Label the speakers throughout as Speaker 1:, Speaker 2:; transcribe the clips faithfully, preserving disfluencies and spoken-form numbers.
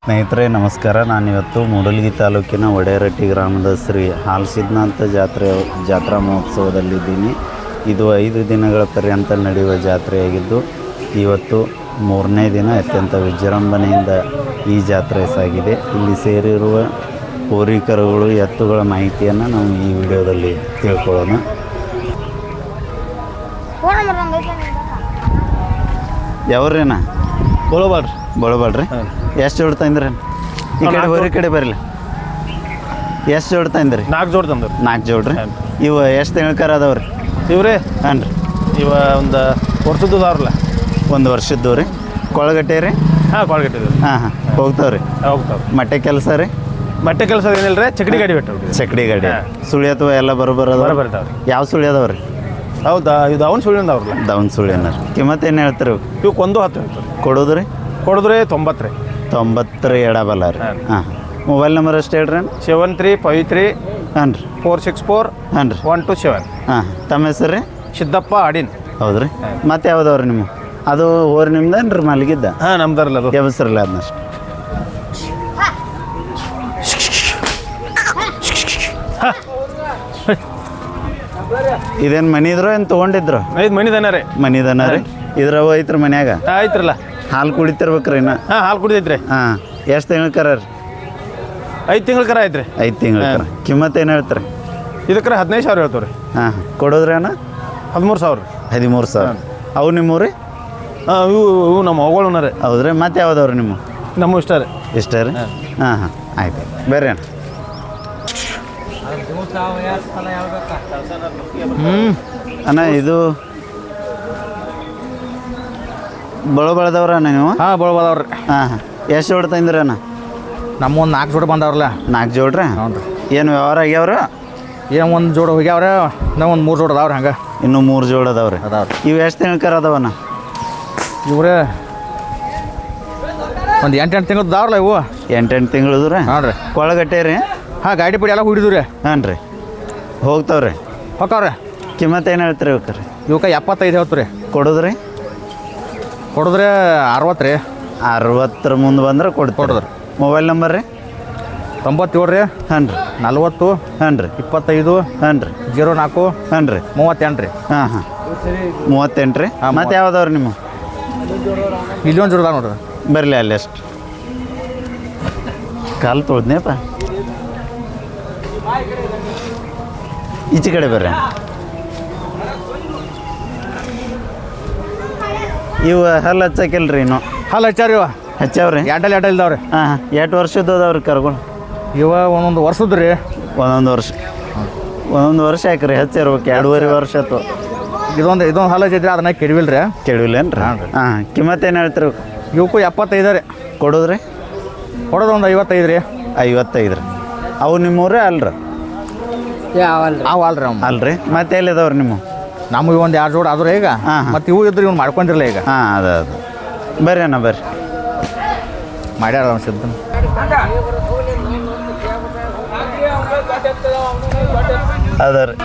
Speaker 1: ಸ್ನೇಹಿತರೆ ನಮಸ್ಕಾರ. ನಾನಿವತ್ತು ಮೂಡಲಗಿ ತಾಲೂಕಿನ ಒಡೆಯರಟ್ಟಿ ಗ್ರಾಮದ ಶ್ರೀ ಹಾಲಸಿದ್ಧನಾಥ ಜಾತ್ರೆ ಜಾತ್ರಾ ಮಹೋತ್ಸವದಲ್ಲಿದ್ದೀನಿ. ಇದು ಐದು ದಿನಗಳ ಪರ್ಯಂತ ನಡೆಯುವ ಜಾತ್ರೆಯಾಗಿದ್ದು ಇವತ್ತು ಮೂರನೇ ದಿನ ಅತ್ಯಂತ ವಿಜೃಂಭಣೆಯಿಂದ ಈ ಜಾತ್ರೆ ಸಾಗಿದೆ. ಇಲ್ಲಿ ಸೇರಿರುವ ಹೋರಿಕರುಗಳು ಎತ್ತುಗಳ ಮಾಹಿತಿಯನ್ನು ನಾವು ಈ ವಿಡಿಯೋದಲ್ಲಿ ತಿಳ್ಕೊಳ್ಳೋಣ. ಯಾವ್ರೇನಾ
Speaker 2: ಬಳಬಾಡ್ರಿ
Speaker 1: ಬಳಬಾಡ್ರಿ ಎಷ್ಟು ಜೋಡ್ ತಂದ್ರಿ? ಈ ಕಡೆ ಹೋರಿ ಕಡೆ ಬರಲಿ. ಎಷ್ಟು ಜೋಡ್ ತಂದ್ರಿ?
Speaker 2: ನಾಲ್ಕು ಜೋಡ್ ತಂದ್ರಿ.
Speaker 1: ನಾಲ್ಕು ಜೋಡ್ರಿ. ಇವು ಎಷ್ಟು ತಿಂಗಳಕರ ಅದಾವ್ರಿ?
Speaker 2: ಇವ್ರಿ
Speaker 1: ಹಾಂ ರೀ,
Speaker 2: ಇವ ಒಂದು ವರ್ಷದ್ದು ಅದಾವ್ರಲ್ಲ.
Speaker 1: ಒಂದು ವರ್ಷದ್ದು ರೀ. ಕೊಳಗಟ್ಟೆ ರೀ?
Speaker 2: ಹಾಂ ಕೊಳಗಟ್ಟೆ.
Speaker 1: ಹಾಂ ಹಾಂ ಹೋಗ್ತಾವ್ರಿ.
Speaker 2: ಹೋಗ್ತಾವ.
Speaker 1: ಮಟ್ಟೆ ಕೆಲಸ ರೀ?
Speaker 2: ಮಟ್ಟೆ ಕೆಲಸ ಏನಿಲ್ಲ ರೀ, ಚಕಡಿ ಗಾಡಿ ಬಿಟ್ಟು
Speaker 1: ಚಕಡಿ ಗಾಡಿ ಸುಳಿ ಅಥವಾ ಎಲ್ಲ ಬರೋಬರ
Speaker 2: ಬರ್ತಾವ್ರಿ.
Speaker 1: ಯಾವ ಸುಳಿ ಅದಾವ್ರಿ?
Speaker 2: ಹೌದಾ, ಇದು ಅವ್ನು ಸುಳ್ಳಿಂದ ಅವ್ರಲ್ಲ.
Speaker 1: ದವನ್ ಸುಳಿ ಏನಾರ ಕಿಮ್ಮತ್ತು ಏನು ಹೇಳ್ತೀರಿ?
Speaker 2: ಇವಕ್ಕೆ ಒಂದು ಹತ್ತು ಹೇಳ್ತಾರೆ.
Speaker 1: ಕೊಡೋದು ರೀ?
Speaker 2: ಕೊಡಿದ್ರಿ ತೊಂಬತ್ತು ರೀ.
Speaker 1: ತೊಂಬತ್ತರ ಎಡಬಲ್ಲ ರೀ. ಹಾಂ ಮೊಬೈಲ್ ನಂಬರ್ ಅಷ್ಟು ಹೇಳ್ರಿ.
Speaker 2: ಸೆವೆನ್ ತ್ರೀ ಫೈವ್ ತ್ರೀ
Speaker 1: ಹಾಂ ರೀ
Speaker 2: ಫೋರ್ ಸಿಕ್ಸ್ ಫೋರ್
Speaker 1: ಹಾಂ ರೀ
Speaker 2: ಒನ್ ಟು ಸೆವೆನ್.
Speaker 1: ಹಾಂ ತಮ್ಮ ಹೆಸರು ರೀ?
Speaker 2: ಸಿದ್ದಪ್ಪ ಅಡಿನ್.
Speaker 1: ಹೌದು ರೀ. ಮತ್ತೆ ಯಾವ್ದವ್ರಿ ನಿಮ್ಮ? ಅದು ಹೋರಿ ನಿಮ್ದೇನು ರೀ ಮಲಗಿದ್ದ?
Speaker 2: ಹಾಂ ನಮ್ದಾರಲ್ಲ ಅದು.
Speaker 1: ಎಬಸ್ರಲ್ಲ ಅದನ್ನಷ್ಟು. ಇದೇನು ಮನಿದ್ರು ಏನು ತೊಗೊಂಡಿದ್ರು?
Speaker 2: ಐದು ಮನಿ ದನ ರೀ.
Speaker 1: ಮನಿದನ ರೀ. ಇದ್ರವ ಐತ್ರಿ ಮನ್ಯಾಗ?
Speaker 2: ಆಯ್ತ್ರಲ್ಲ.
Speaker 1: ಹಾಲು ಕುಡಿತಿರ್ಬೇಕ್ರಿ ಇನ್ನ?
Speaker 2: ಹಾಂ ಹಾಲು ಕುಡಿದೈತ್ರಿ.
Speaker 1: ಹಾಂ ಎಷ್ಟು ತಿಂಗಳ ಕರ ರೀ?
Speaker 2: ಐದು ತಿಂಗಳ ಕರ ಐತ್ರಿ.
Speaker 1: ಐದು ತಿಂಗಳ ಕರ. ಕಿಮ್ಮತ್ತು ಏನು ಹೇಳ್ತಾರೆ?
Speaker 2: ಇದಕ್ಕೆ ಹದಿನೈದು ಸಾವಿರ ಹೇಳ್ತಾವೆ ರೀ.
Speaker 1: ಹಾಂ ಕೊಡೋದ್ರಿ ಅಣ್ಣ?
Speaker 2: ಹದಿಮೂರು ಸಾವಿರ ರೀ.
Speaker 1: ಹದಿಮೂರು ಸಾವಿರ. ಅವು ನಿಮ್ಮ ರೀ?
Speaker 2: ಹಾಂ ಇವು ಇವು ನಮ್ಮ ಅವುಗಳನ್ನ ರೀ.
Speaker 1: ಹೌದ್ರಿ. ಮತ್ತೆ ಯಾವ್ದವ್ರಿ ನಿಮ್ಮ?
Speaker 2: ನಮ್ಮ ಇಷ್ಟ ರೀ.
Speaker 1: ಇಷ್ಟ ರೀ? ಹಾಂ ಹಾಂ ಆಯ್ತು ಬೇರೆ ಅಣ್ಣ.
Speaker 2: ಹ್ಞೂ
Speaker 1: ಅಣ್ಣ ಇದು ಬಳ ಬಳದವ್ರ ಅಣ್ಣ ನೀವು?
Speaker 2: ಹಾಂ ಬಳಬದವ್ರಿ.
Speaker 1: ಹಾಂ ಹಾಂ ಎಷ್ಟು ಜೋಡ್ ತಂದ್ರಿ ಅಣ್ಣ?
Speaker 2: ನಮ್ಮ ಒಂದು ನಾಲ್ಕು ಜೋಡಿ ಬಂದವ್ರಲ್ಲ.
Speaker 1: ನಾಲ್ಕು ಜೋಡ್ರಿ?
Speaker 2: ಹ್ಞೂ ರೀ.
Speaker 1: ಏನು ವ್ಯವಹಾರ ಆಗ್ಯಾವ್ರ?
Speaker 2: ಏನು ಒಂದು ಜೋಡಿ ಹೋಗ್ಯಾವ್ರೆ, ನಾವು ಒಂದು ಮೂರು ಜೋಡಿ ಅದಾವ್ರಿ. ಹಂಗೆ
Speaker 1: ಇನ್ನೂ ಮೂರು ಜೋಡ್ ಅದಾವ್ರಿ.
Speaker 2: ಅದಾವ್ರಿ.
Speaker 1: ಇವು ಎಷ್ಟು ತಿಂಗಳ ಅದಾವಣ್ಣ?
Speaker 2: ಇವ್ರೆ ಒಂದು ಎಂಟು ಎಂಟು ತಿಂಗಳು ಅದಾವ್ರಲ್ಲ ಇವು.
Speaker 1: ಎಂಟೆಂಟು ತಿಂಗಳದು ರೀ?
Speaker 2: ಹಾಂ ರೀ.
Speaker 1: ಕೊಳಗಟ್ಟೆ ರೀ?
Speaker 2: ಹಾಂ ಗಾಡಿ ಪೀಡಿ ಎಲ್ಲ ಹುಡಿದು ರೀ.
Speaker 1: ಹಾಂ ರೀ ಹೋಗ್ತಾವ್ರಿ.
Speaker 2: ಹೊಕ್ಕವ್ರಿ.
Speaker 1: ಕಿಮ್ಮತ್ತು ಏನು ಹೇಳ್ತೀರಿ ಇವಕ್ಕೆ?
Speaker 2: ಇವಕ್ಕೆ ಎಪ್ಪತ್ತೈದು ಹೇಳ್ತು ರೀ.
Speaker 1: ಕೊಡೋದ್ರಿ?
Speaker 2: ಕೊಡಿದ್ರೆ ಅರವತ್ತು ರೀ.
Speaker 1: ಅರವತ್ತರ ಮುಂದೆ ಬಂದ್ರೆ ಕೊಡ್ತೀವಿ.
Speaker 2: ಕೊಡೋದ್ರಿ.
Speaker 1: ಮೊಬೈಲ್ ನಂಬರ್ ರೀ?
Speaker 2: ತೊಂಬತ್ತೇಳು ರೀ
Speaker 1: ಹಾಂ ರೀ
Speaker 2: ನಲ್ವತ್ತು
Speaker 1: ಹಾಂ ರೀ
Speaker 2: ಇಪ್ಪತ್ತೈದು
Speaker 1: ಹಾಂ ರೀ
Speaker 2: ಜೀರೋ ನಾಲ್ಕು
Speaker 1: ಹಾಂ ರೀ
Speaker 2: ಮೂವತ್ತೆಂಟು ರೀ.
Speaker 1: ಹಾಂ ಹಾಂ ಮೂವತ್ತೆಂಟು ರೀ. ಮತ್ತೆ ಯಾವ್ದವ್ರಿ ನಿಮ್ಮ?
Speaker 2: ಇಲ್ಲೊಂದು ಜೋಡಿ ಅದಾವ ನೋಡ್ರಿ.
Speaker 1: ಬರಲಿ ಅಲ್ಲಿ ಅಷ್ಟು ಕಾಲು ತೊಳ್ದ್ನೇಪ. ಈಚೆ ಕಡೆ ಬರ್ರಿ. ಇವು ಹಲ್ಲು ಹಚ್ಚಕಿಲ್ರಿ ಇನ್ನು?
Speaker 2: ಹಲ್ಲ ಹಚ್ಚಾರ ಇವ
Speaker 1: ಹಚ್ಚಾವ್ರಿ?
Speaker 2: ಎರಡಲ್ಲಿ ಎರಡಲ್ಲಿ ಇದಾವ್ರಿ.
Speaker 1: ಹಾಂ ಹಾಂ ಎಷ್ಟು ವರ್ಷದ್ದು ಅದಾವ್ರಿ ಕರ್ಗಳು?
Speaker 2: ಇವ ಒಂದೊಂದು ವರ್ಷದ್ದು ರೀ.
Speaker 1: ಒಂದೊಂದು ವರ್ಷ ಒಂದೊಂದು ವರ್ಷ ಯಾಕ್ರಿ ಹಚ್ಚಿರ್ಬೇಕು? ಎರಡೂವರೆ ವರ್ಷ ಆಯ್ತು.
Speaker 2: ಇದೊಂದು ಇದೊಂದು ಹಲ್ಲ ಹಚ್ಚಿದ್ರಿ, ಅದನ್ನ ಕೆಡವಿಲ್ಲ ರೀ.
Speaker 1: ಕೆಡವಿಲ್ಲೇನು ರೀ? ಹಾಂ ಹಾಂ ಕಿಮ್ಮತ್ತು ಏನು ಹೇಳ್ತೀರಿ?
Speaker 2: ಇವಕ್ಕೂ ಎಪ್ಪತ್ತೈದು ರೀ.
Speaker 1: ಕೊಡೋದ್ರಿ?
Speaker 2: ಕೊಡೋದು ಒಂದು ಐವತ್ತೈದು ರೀ.
Speaker 1: ಐವತ್ತೈದು ರೀ. ಅವು ನಿಮ್ಮೂರೇ ಅಲ್ರಿ?
Speaker 2: ಅವು ಅಲ್ರಿ ಅವು
Speaker 1: ಅಲ್ರಿ. ಮತ್ತೆ ಎಲ್ಲಿದಾವ್ರಿ ನಿಮ್ಮ?
Speaker 2: ನಮಗೆ ಒಂದು ಎರಡು ಜೋಡಿ ಆದ್ರೆ ಈಗ.
Speaker 1: ಹಾಂ ಹಾಂ.
Speaker 2: ಮತ್ತು ಇವು ಇದ್ರೆ ಇವ್ನು ಮಾಡ್ಕೊಂಡಿರಲ್ಲ ಈಗ.
Speaker 1: ಹಾಂ ಅದ ಅದು ಬರ್ರಿ ಅಣ್ಣ ಬರ್ರಿ.
Speaker 2: ಮಾಡ್ಯಾರ ಅನ್ಸಿದ್ದ.
Speaker 1: ಅದ ರೀ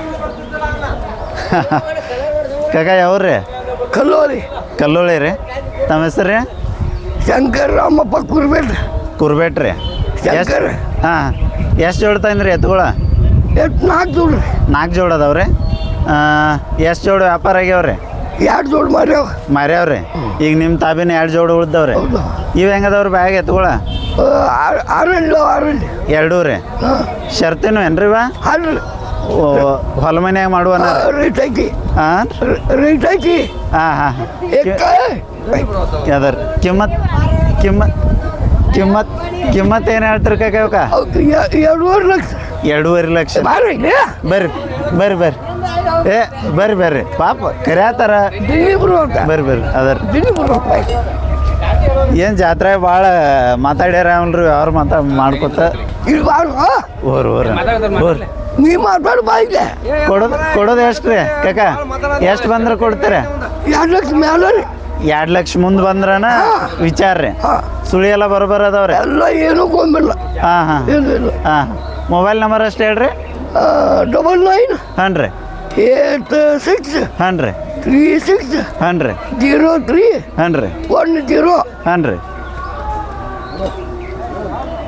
Speaker 1: ಕಾಕ ಯಾವ್ರಿ?
Speaker 3: ಕಲ್ಲೋಳಿ.
Speaker 1: ಕಲ್ಲೋಳಿ ರೀ. ತಮ್ಮ ಹೆಸರು ರೀ?
Speaker 3: ಶಂಕರ್ ರಾಮಪ್ಪ ಕುರ್ಬೇಟ್.
Speaker 1: ಕುರ್ಬೇಟ್ ರೀ.
Speaker 3: ಶಂಕರ್.
Speaker 1: ಹಾಂ ಎಷ್ಟು ಜೋಡ್ ತಂದ್ರಿ ಎತ್ತುಗಳ?
Speaker 3: ಎಷ್ಟು ನಾಲ್ಕು ಜೋಡ್ರಿ.
Speaker 1: ನಾಲ್ಕು ಜೋಡ್ ಅದಾವ್ರಿ. ಎಷ್ಟು ಜೋಡು ವ್ಯಾಪಾರ ಆಗ್ಯಾವ್ರಿ?
Speaker 3: ಎರಡು ಜೋಡ್ ಮಾರ್ಯಾವ.
Speaker 1: ಮಾರ್ಯಾವ್ರಿ. ಈಗ ನಿಮ್ಮ ತಾಬಿನ ಎರಡು ಜೋಡು ಉಳ್ದವ್ರಿ.
Speaker 3: ಹೌದು.
Speaker 1: ಇವು ಹೆಂಗದವ್ರಿ ಬ್ಯಾಗ್ ಎತ್ತುಗಳ?
Speaker 3: ಆರಲ್ಲ ಆರಲ್ಲಿ.
Speaker 1: ಎರಡೂ ರೀ. ಶರ್ತಿನೂ ಏನ್ರಿ ಇವ?
Speaker 3: ಆರಲ್ಲ.
Speaker 1: ಹೊಲ ಮನ್ಯಾಗ ಮಾಡುವನ?
Speaker 3: ರೇಟ್ ಹಾಕಿ.
Speaker 1: ಹಾಂ
Speaker 3: ರೇಟ್ ಹಾಕಿ.
Speaker 1: ಹಾಂ ಹಾಂ
Speaker 3: ಎಕ್ಕ
Speaker 1: ಯಾವ್ದಾರ ಕಿಮ್ಮತ್ ಕಿಮ್ಮತ್ ಕಿಮ್ಮತ್ ಕಿಮ್ಮತ್ ಏನು ಹೇಳ್ತೀರಿ ಕಾಕ ಇವಕ್ಕ?
Speaker 3: ಎರಡೂವರೆ ಲಕ್ಷ.
Speaker 1: ಎರಡೂವರೆ ಲಕ್ಷ.
Speaker 3: ಮಾರಿ
Speaker 1: ಬರ್ರಿ ಬರ್ರಿ ಬರ್ರಿ. ಏ ಬರ್ರಿ ಬರ್ರಿ ಪಾಪ ಕರ್ಯಾತಾರ.
Speaker 3: ದಿಲ್ಲಿ ಬರುವಂತ.
Speaker 1: ಬರ್ರಿ ಬರ್ರಿ ಅದರ
Speaker 3: ದಿಲ್ಲಿ ಬರುವಂತ.
Speaker 1: ಏನು ಜಾತ್ರೆ ಭಾಳ ಮಾತಾಡ್ಯಾರ ಅವನ್ರಿ ಅವ್ರು ಮಾತಾ ಮಾಡ್ಕೊತ
Speaker 3: ಇಲ್ಲಿ ಬಾರು.
Speaker 1: ಓರ್ ಓರ್ ಓರ್
Speaker 3: ನೀ ಮಾತಾಡು ಬಾಯಿಗೆ.
Speaker 1: ಕೊಡೋದು ಕೊಡೋದು ಎಷ್ಟು ರೀ ಕಾಕ? ಎಷ್ಟು ಬಂದ್ರೆ ಕೊಡ್ತೀರ?
Speaker 3: ಎರಡು ಲಕ್ಷ ಮೇಲೆ ರೀ.
Speaker 1: ಎರಡು ಲಕ್ಷ ಮುಂದೆ ಬಂದ್ರನ ವಿಚಾರ ರೀ. ಸುಳಿ ಎಲ್ಲ ಬರೋಬರ ಅದಾವ್ರಿ?
Speaker 3: ಎಲ್ಲ ಏನೂ ಗೊಂಬಿಲ್ಲ.
Speaker 1: ಹಾಂ ಹಾಂ
Speaker 3: ಇಲ್ಲ ಇಲ್ಲ.
Speaker 1: ಹಾಂ ಮೊಬೈಲ್ ನಂಬರ್ ಅಷ್ಟು ಹೇಳ್ರಿ.
Speaker 3: ಡಬಲ್ ನೈನ್
Speaker 1: ಹಾಂ ರೀ
Speaker 3: ಏಟ್ ಸಿಕ್ಸ್
Speaker 1: ಹಾಂ ರೀ
Speaker 3: ತ್ರೀ ಸಿಕ್ಸ್
Speaker 1: ಹಾಂ ರೀ
Speaker 3: ಜೀರೋ ತ್ರೀ
Speaker 1: ಹಾಂ ರೀ
Speaker 3: ಒನ್ ಜೀರೋ.
Speaker 1: ಹಾಂ ರೀ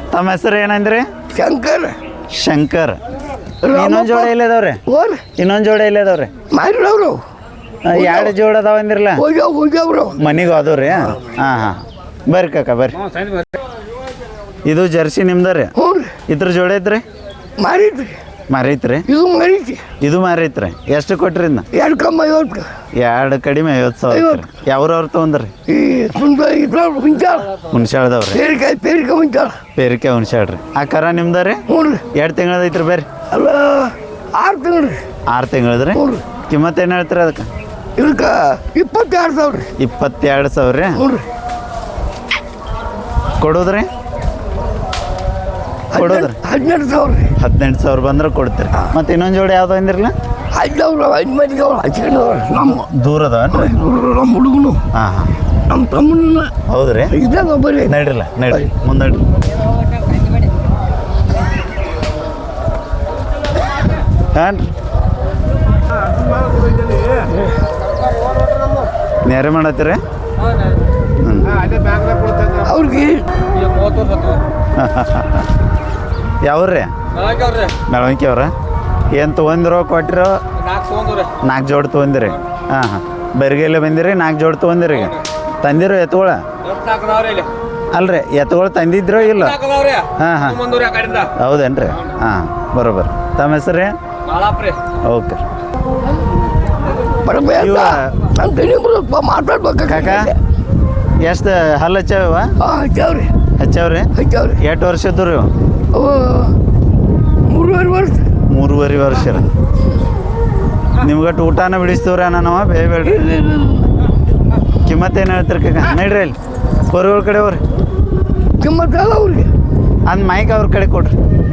Speaker 1: ತಮ್ಮ ಹೆಸರು ಏನಂದ್ರಿ?
Speaker 3: ಶಂಕರ್
Speaker 1: ಶಂಕರ್. ಇನ್ನೊಂದು ಜೋಡ ಇಲ್ಲದವ್ರೆ?
Speaker 3: ಓರ್
Speaker 1: ಇನ್ನೊಂದು ಜೋಡ ಇಲ್ಲದವ್ರೆ?
Speaker 3: ಮಾಡಿರವ್ರು
Speaker 1: ಎರಡು ಜೋಡ ಅದಾವ ಅಂದಿರಲ್ಲ?
Speaker 3: ಹೋಗ್ಯಾವ ಹೋಗ್ಯಾವ್ರು
Speaker 1: ಮನೆಗೂ ಅದಾವ್ರಿ? ಹಾಂ ಹಾಂ ಬರ್ರಿ ಕಾಕ ಬರ್ರಿ. ಇದು ಜರ್ಸಿ ನಿಮ್ದ ರೀ?
Speaker 3: ಹ್ಞೂ ರೀ
Speaker 1: ಇದ್ರ ಜೋಡ ಐತ್ರಿ?
Speaker 3: ಮಾರಿದ್ರಿ
Speaker 1: ಮಾರೈತ್ರಿ?
Speaker 3: ಇದು ಮಾರೈತಿ
Speaker 1: ಇದು ಮಾರೈತ್ರಿ? ಎಷ್ಟು ಕೊಟ್ರಿ ಇದನ್ನ?
Speaker 3: ಎರಡು ಕಮ್ಮ ಐವತ್ತು
Speaker 1: ಎರಡು ಕಡಿಮೆ ಐವತ್ತು ಸಾವಿರ
Speaker 3: ಐವತ್ತು.
Speaker 1: ಯಾವ್ರವ್ರು ತೊಗೊಂಡ್ರಿ?
Speaker 3: ಈ ಸುಂದ ಇದ್ರವ್ರು ಹುಂಚಾಳ
Speaker 1: ಹುಣ್ಸಾಳ್ದವ್ರಿ?
Speaker 3: ಪೇರಿಕಾಯಿ ಪೇರಿಕಾಯಿ ಹುಂಚಾಳ
Speaker 1: ಪೇರಿಕೆ ಹುಣ್ಸಾಳ್ರಿ. ಆ ಕರ ನಿಮ್ದ ರೀ?
Speaker 3: ಹ್ಞೂ ರೀ
Speaker 1: ಎರಡು ತಿಂಗಳದೈತ್ರಿ ಬರ್ರಿ.
Speaker 3: ಅಲ್ಲ ಆರು ತಿಂಗಳು ರೀ
Speaker 1: ಆರು ತಿಂಗಳದ್ರಿ?
Speaker 3: ಹ್ಞೂ ರೀ
Speaker 1: ಕಿಮ್ಮತ್ತು ಏನು ಹೇಳ್ತೀರಿ ಅದಕ್ಕೆ?
Speaker 3: ಇದಕ್ಕೆ ಇಪ್ಪತ್ತೆರಡು ಸಾವಿರ ರೀ.
Speaker 1: ಇಪ್ಪತ್ತೆರಡು ಸಾವಿರ ರೀ?
Speaker 3: ಹ್ಞೂ ರೀ
Speaker 1: ಕೊಡೋದ್ರಿ? ಕೊಡೋದ್ರಿ?
Speaker 3: ಹದಿನೆಂಟು ಸಾವಿರ ರೀ.
Speaker 1: ಹದಿನೆಂಟು ಸಾವಿರ ಬಂದ್ರೆ ಕೊಡ್ತೀರಿ. ಮತ್ತು ಇನ್ನೊಂದು ಜೋಡಿ ಯಾವ್ದು ಅಂದಿರಲ್ಲ?
Speaker 3: ಹದಿನವ್ರು ಐದು ಮಂದಿಗೆ ಅವ್ರು ಹಚ್ಕೊಂಡವ್ರು ನಮ್ಮ
Speaker 1: ದೂರ ಅದಾವನ್ರಿ?
Speaker 3: ನಮ್ಮ ಹುಡುಗನು
Speaker 1: ಹಾಂ ಹಾಂ
Speaker 3: ನಮ್ಮ ತಮ್ಮನ
Speaker 1: ಹೌದ್ರಿ?
Speaker 3: ಇದ್ದಾಗ ಒಬ್ಬರೇ
Speaker 1: ನಡ್ರಿಲ್ಲ ನಡ್ರಿ ಮುಂದೆ ನಡ್ರಿ. ಹಾಂ ರೀ ನೇರೆ ಮಾಡತ್ತೀರಿ? ಹ್ಞೂ
Speaker 3: ಅವ್ರಿಗೆ
Speaker 1: ಯಾವ್ರಿ? ಮೆಳವಂಕಿ ಅವ್ರ? ಏನು ತೊಗೊಂದಿರೋ ಕೊಟ್ಟಿರೋ? ನಾಲ್ಕು ಜೋಡಿ ತೊಗೊಂದಿರಿ? ಹಾಂ ಹಾಂ ಬೆರ್ಗೆಲ್ಲ ಬಂದಿರಿ? ನಾಲ್ಕು ಜೋಡಿ ತೊಗೊಂದಿರಿ? ಈಗ ತಂದಿರೋ ಎತ್ತುಗಳ? ಅಲ್ರಿ ಎತ್ತುಗಳು ತಂದಿದ್ರೋ ಇಲ್ಲ? ಹಾಂ ಹಾಂ ಹೌದೇನ್ರಿ? ಹಾಂ ಬರೋಬರ್. ತಮ್ಮ ಹೆಸರು ರೀ? ಓಕೆ. ಇವ
Speaker 3: ಮಾತಾಡ್ಬೇಕು
Speaker 1: ಕಾಕ ಎಷ್ಟು ಹಲ್ಲು ಹಚ್ಚಾವ?
Speaker 3: ಹಚ್ಚಾವ್ರಿ
Speaker 1: ಹಚ್ಚಾವ್ರಿ?
Speaker 3: ಹಚ್ಚಾವ್ರಿ
Speaker 1: ಎಷ್ಟು ವರ್ಷದ್ದು ರೀ?
Speaker 3: ಅವು ಮೂರುವರೆ ವರ್ಷ
Speaker 1: ಮೂರುವರೆ ವರ್ಷ ರೀ. ನಿಮ್ಗಟ್ಟು ಊಟನ ಬಿಡಿಸ್ತೇವ್ರಿ ನಾನವ ಬೇಬೇಡ್ರಿ. ಕಿಮ್ಮತ್ತು ಏನು ಹೇಳ್ತೀರಿ ಕಾಕ? ನಡ್ರಿ ಅಲ್ಲಿ ಹೊರಗಳ ಕಡೆ ಹೋಗ್ರಿ.
Speaker 3: ಕಿಮ್ಮತ್ತಲ್ಲ ಅವ್ರಿಗೆ
Speaker 1: ಅಂದ್ ಮೈಕ್ ಅವ್ರ ಕಡೆ ಕೊಡ್ರಿ.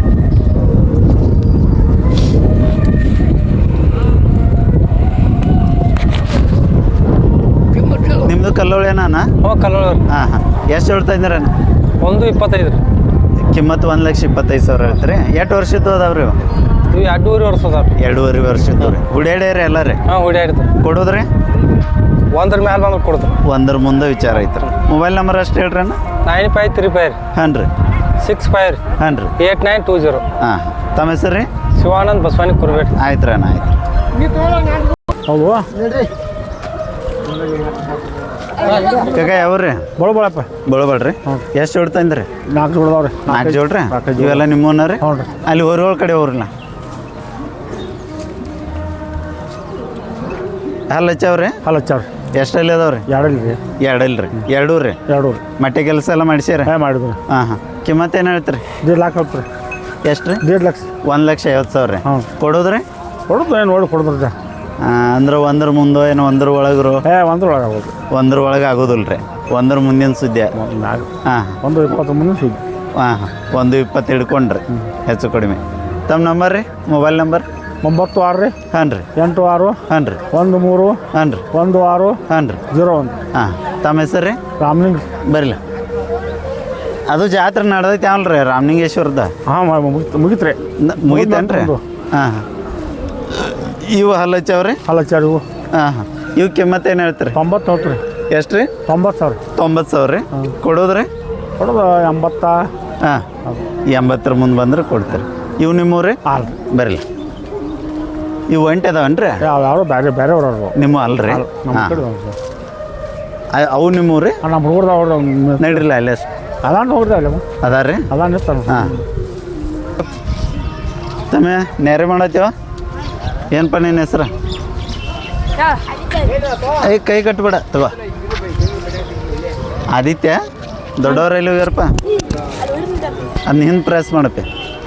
Speaker 3: ಕಿಮ್ಮತ್ತಲ್ಲ
Speaker 1: ನಿಮ್ಮದು ಕಲ್ಲೋಳೇನಾನ?
Speaker 2: ಹ್ಞೂ ಕಲ್ಲೋಳ
Speaker 1: ಹಾಂ ಹಾಂ ಎಷ್ಟು ಹೇಳ್ತಾ ಇದ್ದೀರೇನು?
Speaker 2: ಒಂದು ಇಪ್ಪತ್ತೈದು ರೀ.
Speaker 1: ಕಿಮ್ಮತ್ತು ಒಂದು ಲಕ್ಷ ಇಪ್ಪತ್ತೈದು ಸಾವಿರ ಹೇಳ್ತೀರಿ. ಎಷ್ಟು ವರ್ಷದ್ದು ಅದಾವ್ರಿ?
Speaker 2: ಇವು ಎರಡೂವರೆ ವರ್ಷ ಅದಾವ ರೀ.
Speaker 1: ಎರಡೂವರೆ ವರ್ಷದ್ದು ರೀ. ಹುಡ್ಯಾಡ್ಯಾರಿ ಎಲ್ಲ ರೀ?
Speaker 2: ಹಾಂ ಹುಡ್ಯಾಡ್ತಾರೆ.
Speaker 1: ಕೊಡೋದ್ರಿ?
Speaker 2: ಒಂದ್ರ ಮ್ಯಾಲೆ ಬಂದ್ರೆ ಕೊಡ್ತಾರೆ.
Speaker 1: ಒಂದ್ರ ಮುಂದೆ ವಿಚಾರ ಐತ್ರಿ. ಮೊಬೈಲ್ ನಂಬರ್ ಅಷ್ಟು ಹೇಳ್ರಿ ಅಣ್ಣ.
Speaker 2: ನೈನ್ ಫೈವ್ ತ್ರೀ ಫೈವ್ ರೀ
Speaker 1: ಹಾಂ ರೀ
Speaker 2: ಸಿಕ್ಸ್ ಫೈವ್ ರೀ
Speaker 1: ಹಾಂ ರೀ
Speaker 2: ಏಟ್ ನೈನ್ ಟೂ ಜೀರೋ.
Speaker 1: ಹಾಂ ತಮ್ಮ ಹೆಸರು ರೀ?
Speaker 2: ಶಿವಾನಂದ್ ಬಸವಾನಿ ಕುರ್ಬೇಟ್.
Speaker 1: ಆಯ್ತು ರೀ ಅಣ್ಣ ಆಯ್ತು.
Speaker 2: ಹೌದು
Speaker 1: ಕಾಕ ಯಾವ್ರಿ?
Speaker 2: ಬಳಬಳಪ್ಪ
Speaker 1: ಬಳಬಳ್ರಿ? ಎಷ್ಟು ಜೋಡಿ ತಂದ್ರಿ?
Speaker 2: ನಾಲ್ಕು ಜೋಡದವ್ರಿ.
Speaker 1: ನಾಲ್ಕು ಜೋಡ್ರಿ? ಇವೆಲ್ಲ ನಿಮ್ಮನ್ನ ರೀ?
Speaker 2: ಹ್ಞೂ ರೀ.
Speaker 1: ಅಲ್ಲಿ ಹೊರಗಳ ಕಡೆ ಹೋಗ್ರಲ್ಲ. ಹಲ್ಲು ಹಚ್ಚಾವ್ರಿ?
Speaker 2: ಹಲ್ಲು ಹಚ್ಚಾವ್ರಿ.
Speaker 1: ಎಷ್ಟಲ್ಲಿ ಅದಾವ್ರಿ?
Speaker 2: ಎರಡಲ್ಲಿ ರೀ.
Speaker 1: ಎರಡಲ್ಲ ರೀ? ಎರಡೂ ರೀ?
Speaker 2: ಎರಡು ರೀ.
Speaker 1: ಮಟ್ಟೆ ಕೆಲಸ ಎಲ್ಲ ಮಾಡಿಸ್ಯಾರ?
Speaker 2: ಹಾಂ ಮಾಡಿದ್ರಿ.
Speaker 1: ಹಾಂ ಹಾಂ ಕಿಮ್ಮತ್ತು ಏನು ಹೇಳ್ತೀರಿ?
Speaker 2: ದೇಡ್ ಲಾಕ್ ಹೋಗ್ತೀರಿ.
Speaker 1: ಎಷ್ಟು ರೀ?
Speaker 2: ದೇಡ್ ಲಕ್ಷ.
Speaker 1: ಒಂದು ಲಕ್ಷ ಐವತ್ತು ಸಾವಿರ ರೀ?
Speaker 2: ಹ್ಞೂ.
Speaker 1: ಕೊಡೋದ್ರಿ?
Speaker 2: ಕೊಡೋದು ಏನು ನೋಡಿ ಕೊಡೋದ್ರಿ.
Speaker 1: ಅಂದ್ರೆ ಒಂದ್ರ ಮುಂದೋ ಏನೋ ಒಂದ್ರ ಒಳಗ್ರು?
Speaker 2: ಏ ಒಂದ್ರ ಒಳಗೆ ಆಗೋದು.
Speaker 1: ಒಂದ್ರ ಒಳಗೆ ಆಗೋದಿಲ್ಲ ರೀ? ಒಂದ್ರ ಮುಂದಿನ ಸುದ್ದಿ?
Speaker 2: ನಾಲ್ಕು
Speaker 1: ಹಾಂ
Speaker 2: ಒಂದು ಇಪ್ಪತ್ತು ಮುಂದೆ ಸುದ್ದಿ.
Speaker 1: ಹಾಂ ಹಾಂ ಒಂದು ಇಪ್ಪತ್ತು ಹಿಡ್ಕೊಂಡ್ರಿ ಹೆಚ್ಚು ಕಡಿಮೆ. ತಮ್ಮ ನಂಬರ್ ರೀ? Mobile number?
Speaker 2: ಒಂಬತ್ತು ಆರು ರೀ.
Speaker 1: ಹಾಂ ರೀ.
Speaker 2: ಎಂಟು ಆರು.
Speaker 1: ಹಾಂ ರೀ.
Speaker 2: ಒಂದು ಮೂರು.
Speaker 1: ಹಾಂ ರೀ.
Speaker 2: ಒಂದು ಆರು.
Speaker 1: ಹಾಂ ರೀ.
Speaker 2: ಜೀರೋ ಒಂದು.
Speaker 1: ಹಾಂ ತಮ್ಮ ಹೆಸರು ರೀ?
Speaker 2: ರಾಮಲಿಂಗ್.
Speaker 1: ಬರಲಿಲ್ಲ ಅದು ಜಾತ್ರೆ ನಡೆದೈತೆ ಅವಲ್ಲ ರೀ ರಾಮಲಿಂಗೇಶ್ವರದ?
Speaker 2: ಹಾಂ ಮುಗಿತು ಮುಗಿತು ರೀ.
Speaker 1: ಮುಗಿತೇನು ರೀ? ಹಾಂ ಹಾಂ ಇವು ಹಲ್ಲು ಹಚ್ಚವ್ರಿ?
Speaker 2: ಹಲ್ಲು ಹಚ್ಚಾರಿ ಇವು.
Speaker 1: ಹಾಂ ಹಾಂ ಇವು ಕಿಮ್ಮತ್ತು ಏನು ಹೇಳ್ತೀರಿ?
Speaker 2: ತೊಂಬತ್ತು ಹೋಗ್ತು ರೀ.
Speaker 1: ಎಷ್ಟು ರೀ?
Speaker 2: ತೊಂಬತ್ತು ಸಾವಿರ.
Speaker 1: ತೊಂಬತ್ತು ಸಾವಿರ ರೀ? ಕೊಡೋದ್ರಿ?
Speaker 2: ಕೊಡೋದು ಎಂಬತ್ತ.
Speaker 1: ಹಾಂ ಎಂಬತ್ತರ ಮುಂದೆ ಬಂದ್ರೆ ಕೊಡ್ತೀರಿ. ಇವು ನಿಮ್ಮೂರಿ?
Speaker 2: ಹಾಂ
Speaker 1: ಬರಲಿ ಇವು ಒಂಟೆ ಅದಾವನ್ ರೀ?
Speaker 2: ಯಾವ ಯಾವ ಬೇರೆ ಬೇರೆ ಅವ್ರವ್ರು
Speaker 1: ನಿಮ್ಮ ಅಲ್ರಿ?
Speaker 2: ನಮ್ಮ
Speaker 1: ಹಾಂ
Speaker 2: ಕಡೆ
Speaker 1: ಅವು ನಿಮ್ಮೂರಿ?
Speaker 2: ನಮ್ಮ ಹುಡುಗರ್ದ ಅವ್ರು
Speaker 1: ನಡ್ರಿಲ್ಲ ಅಲ್ಲೇ
Speaker 2: ಅದಾನ ಹೋಗ್ರಿ ಅಲ್ಲ
Speaker 1: ಅದ ರೀ?
Speaker 2: ಅದಾನ ಇರ್ತಾನೆ.
Speaker 1: ಹಾಂ ತಮ್ಮ ನೇರೆ ಮಾಡತ್ತೀವ? ಏನಪ್ಪ ನಿನ್ನ ಹೆಸ್ರು? ಏ ಕೈ ಕಟ್ಬೇಡ ತಗೋ. ಆದಿತ್ಯ ದೊಡ್ಡವ್ರ ಎಲ್ಲಿ ಹೋಗ್ಯಾರಪ್ಪ? ಅದನ್ನ ಹಿಂದೆ ಪ್ರೆಸ್ ಮಾಡಪ್ಪ.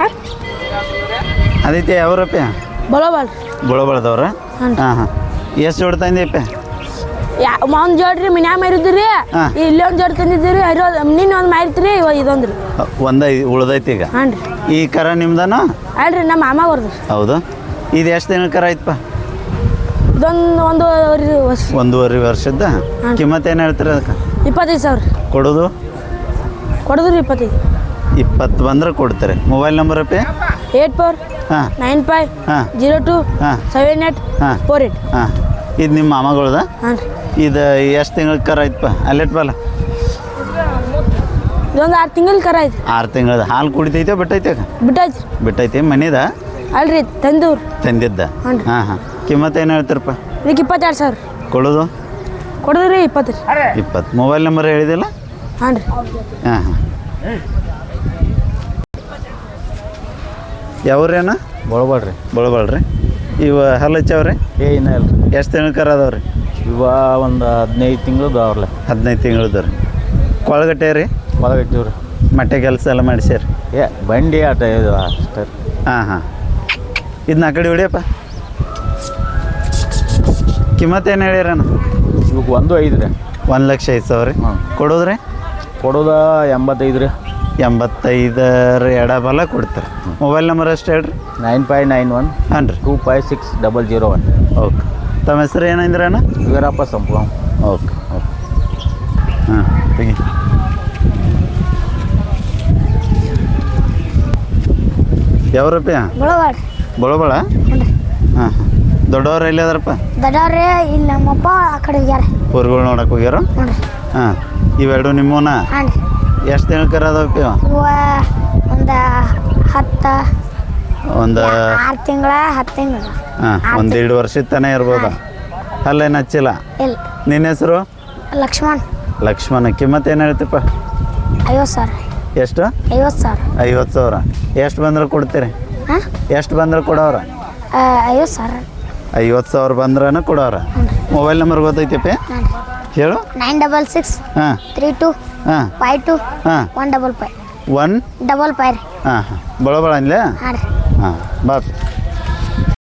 Speaker 1: ಆದಿತ್ಯ ಯಾವ್ರಪ್ಪ?
Speaker 4: ಬಳಬಾಳ್
Speaker 1: ಬಳಬಳದವ್ರ? ಹಾಂ ಹಾಂ ಎಷ್ಟು ಜೋಡಿ ತಂದಿಯಪ್ಪ?
Speaker 4: ಯಾ ಒಂದು ಜೋಡ್ರಿ ಮನ್ಯಾಗ ಮಾರಿದ್ರಿ.
Speaker 1: ಹಾ.
Speaker 4: ಇಲ್ಲೇ ಒಂದು ಜೋಡಿ ತಂದಿದ್ದೀರಿ. ಹರಿಯೋ ನಿನ್ನ ಒಂದು ಮಾರಿತ್ರಿ ಇದೊಂದು ರೀ.
Speaker 1: ಒಂದ ಉಳ್ದೈತಿ ಈಗ?
Speaker 4: ಹಾಂ ರೀ.
Speaker 1: ಈ ಕರ ನಿಮ್ದನ?
Speaker 4: ಅಲ್ರಿ ನಮ್ಮ ಮಾಮ ಅವ್ರದ್ದು.
Speaker 1: ಹೌದು. ಇದು ಎಷ್ಟು ದಿನ ಕರ ಐತಪ್ಪ?
Speaker 4: ಇದೊಂದು ಒಂದೂವರೆ ವರ್ಷ.
Speaker 1: ಒಂದೂವರೆ ವರ್ಷದ?
Speaker 4: ಹಾಂ.
Speaker 1: ಕಿಮ್ಮತ್ತು ಏನು ಹೇಳ್ತೀರ ಅದಕ್ಕೆ?
Speaker 4: ಇಪ್ಪತ್ತೈದು ಸಾವಿರ.
Speaker 1: ಕೊಡೋದು?
Speaker 4: ಕೊಡೋದ್ರಿ ಇಪ್ಪತ್ತೈದು.
Speaker 1: ಇಪ್ಪತ್ತು ಬಂದ್ರೆ ಕೊಡ್ತಾರೆ. ಮೊಬೈಲ್ ನಂಬರ್ ಅಪ್ಪಿ?
Speaker 4: ಏಟ್ ಫೋರ್
Speaker 1: ಹಾಂ
Speaker 4: ನೈನ್ ಫೈವ್
Speaker 1: ಹಾಂ
Speaker 4: ಜೀರೋ ಟು
Speaker 1: ಹಾಂ
Speaker 4: ಸೆವೆನ್ ಏಟ್
Speaker 1: ಹಾಂ
Speaker 4: ಫೋರ್ ಏಟ್.
Speaker 1: ಹಾಂ ಇದು ನಿಮ್ಮ ಮಾಮಗಳದ?
Speaker 4: ಹಾಂ ರೀ.
Speaker 1: ಇದು ಎಷ್ಟು ತಿಂಗಳ ಕರ ಐತಪ್ಪ? ಅಲ್ಲೆಟ್ ಬಲ್ಲ
Speaker 4: ಇದೊಂದು ಆರು ತಿಂಗಳ ಕರ ಐತಿ
Speaker 1: ಆರು ತಿಂಗಳದ ಹಾಲು ಕುಡಿತೈತೆ ಬಿಟ್ಟೈತೆ
Speaker 4: ಬಿಟ್ಟೈತಿ
Speaker 1: ಬಿಟ್ಟೈತೆ ಮನೆದ
Speaker 4: ಅಲ್ರಿ ತಂದೂರು
Speaker 1: ತಂದಿದ್ದ
Speaker 4: ಹ್ಞೂ ರೀ.
Speaker 1: ಹಾಂ ಹಾಂ ಕಿಮ್ಮತ್ತು ಏನು ಹೇಳ್ತಾರಪ್ಪ
Speaker 4: ಇದಕ್ಕೆ ಇಪ್ಪತ್ತೆರಡು ಸಾವಿರ
Speaker 1: ಕೊಡೋದು
Speaker 4: ಕೊಡೋದ್ರಿ ಇಪ್ಪತ್ತು ರೀ
Speaker 1: ಇಪ್ಪತ್ತು ಮೊಬೈಲ್ ನಂಬರ್ ಹೇಳಿದಿಲ್ಲ
Speaker 4: ಹಾಂ ರೀ
Speaker 1: ಹಾಂ ಹಾಂ ಯಾವ್ರೇನ
Speaker 2: ಬಳಬೇಡ್ರಿ
Speaker 1: ಬಳಬಾಳ್ರಿ ಇವ ಹಲ್ಲು ಹಚ್ಚವ್ರಿ
Speaker 2: ಏ ಇನ್ನೂ ಇಲ್ಲ
Speaker 1: ಎಷ್ಟು ತಿಂಗಳು ಅದಾವ್ರಿ
Speaker 2: ಇವ ಒಂದು ಹದಿನೈದು ತಿಂಗಳದ್ದು ಅವ್ರಲ್ಲ
Speaker 1: ಹದಿನೈದು ತಿಂಗಳದ ರೀ ಕೊಳಗಟ್ಟೆ ರೀ
Speaker 2: ಹೊಲಗಟ್ಟಿವ್ ರೀ
Speaker 1: ಮಟ್ಟೆ ಕೆಲಸ ಎಲ್ಲ ಮಾಡಿಸ್ಯಾರ
Speaker 2: ಏ ಬಂಡಿ ಆಟ ಇದು ಅಷ್ಟೇ ರೀ
Speaker 1: ಹಾಂ ಹಾಂ ಇದನ್ನ ಆ ಕಡೆ ಹೊಡಿಯಪ್ಪ ಕಿಮ್ಮತ್ತು ಏನು ಹೇಳ್ಯಾರಣ್ಣ
Speaker 2: ಇವಕ್ಕೆ ಒಂದು ಐದು ರೀ
Speaker 1: ಒಂದು ಲಕ್ಷ ಐದು ಸಾವಿರ
Speaker 2: ಹಾಂ.
Speaker 1: ಕೊಡೋದ್ರಿ
Speaker 2: ಕೊಡೋದ ಎಂಬತ್ತೈದು ರೀ
Speaker 1: ಎಂಬತ್ತೈದರ ಎಡಬಲ ಕೊಡ್ತಾರೆ ಮೊಬೈಲ್ ನಂಬರ್ ಅಷ್ಟು ಹೇಳ್ರಿ
Speaker 2: ನೈನ್ ಫೈವ್ ನೈನ್ ಒನ್
Speaker 1: ಹಾಂ ರೀ
Speaker 2: two five six double zero one
Speaker 1: okay ತಮ್ಮ ಹೆಸರು ಏನಂದ್ರೆ ಅಣ್ಣ
Speaker 2: ವೀರಪ್ಪ ಸಂಪ್ಲ
Speaker 1: ಓಕೆ ಓಕೆ ಹಾಂ ತೆಗಿ ಯಾವ ರೂಪಾಯಿ
Speaker 5: ಬಳವಾಡ
Speaker 1: ಬಳಬಳ ಹಾಂ ಹಾಂ ದೊಡ್ಡವ್ರು ಎಲ್ಲಿ ಅದಾರಪ್ಪ
Speaker 5: ದೊಡ್ಡವ್ರೆ ಇಲ್ಲಿ ನಮ್ಮಪ್ಪ ಆ ಕಡೆ ಹೋಗ್ಯಾರ
Speaker 1: ಊರುಗಳು ನೋಡಕ್ಕೆ ಹೋಗ್ಯಾರ
Speaker 5: ನೋಡ್ರಿ
Speaker 1: ಹಾಂ ಇವೆರಡು ನಿಮ್ಮವನ
Speaker 5: ಹಾಂ ರೀ
Speaker 1: ಎಷ್ಟು ತಿಂಗಳು ಅದಾವಪ್ಪ ಇವ
Speaker 5: ಇವ ಒಂದು ಹತ್ತು
Speaker 1: ಒಂದು
Speaker 5: ಆರು ತಿಂಗಳ ಹತ್ತು ತಿಂಗಳು
Speaker 1: ಹಾಂ ಒಂದು ಎರಡು ವರ್ಷದ ತನಕ ಇರ್ಬೋದಾ ಅಲ್ಲೇನು ಹಚ್ಚಿಲ್ಲ
Speaker 5: ಇಲ್ಲ
Speaker 1: ನಿನ್ನ ಹೆಸರು
Speaker 5: ಲಕ್ಷ್ಮಣ್
Speaker 1: ಲಕ್ಷ್ಮಣ ಕಿಮ್ಮತ್ತು ಏನು ಹೇಳ್ತಪ್ಪ
Speaker 5: ಐವತ್ತು ಸಾವಿರ
Speaker 1: ಎಷ್ಟು
Speaker 5: ಐವತ್ತು ಸಾವಿರ
Speaker 1: ಐವತ್ತು ಸಾವಿರ ಎಷ್ಟು ಬಂದ್ರೆ ಕೊಡ್ತೀರಿ
Speaker 5: ಹಾಂ
Speaker 1: ಎಷ್ಟು ಬಂದ್ರೆ ಕೊಡೋರ
Speaker 5: ಐವತ್ತು ಸಾವಿರ
Speaker 1: ಐವತ್ತು ಸಾವಿರ ಬಂದ್ರನ ಕೊಡೋರ ಮೊಬೈಲ್ ನಂಬರ್ ಗೊತ್ತೈತಪ್ಪ
Speaker 5: ಹಾಂ ರೀ
Speaker 1: ಹೇಳು
Speaker 5: ನೈನ್ ಡಬಲ್ ಸಿಕ್ಸ್
Speaker 1: ಹಾಂ
Speaker 5: ತ್ರೀ ಟು
Speaker 1: ಹಾಂ
Speaker 5: ಫೈವ್ ಟು
Speaker 1: ಹಾಂ
Speaker 5: one double five
Speaker 1: one
Speaker 5: double five ರೀ
Speaker 1: ಹಾಂ ಹಾಂ ಬಳ ಬಳ ಅನ್ಲೇ
Speaker 5: ಹಾಂ ರೀ
Speaker 1: ಹಾಂ ಬಾ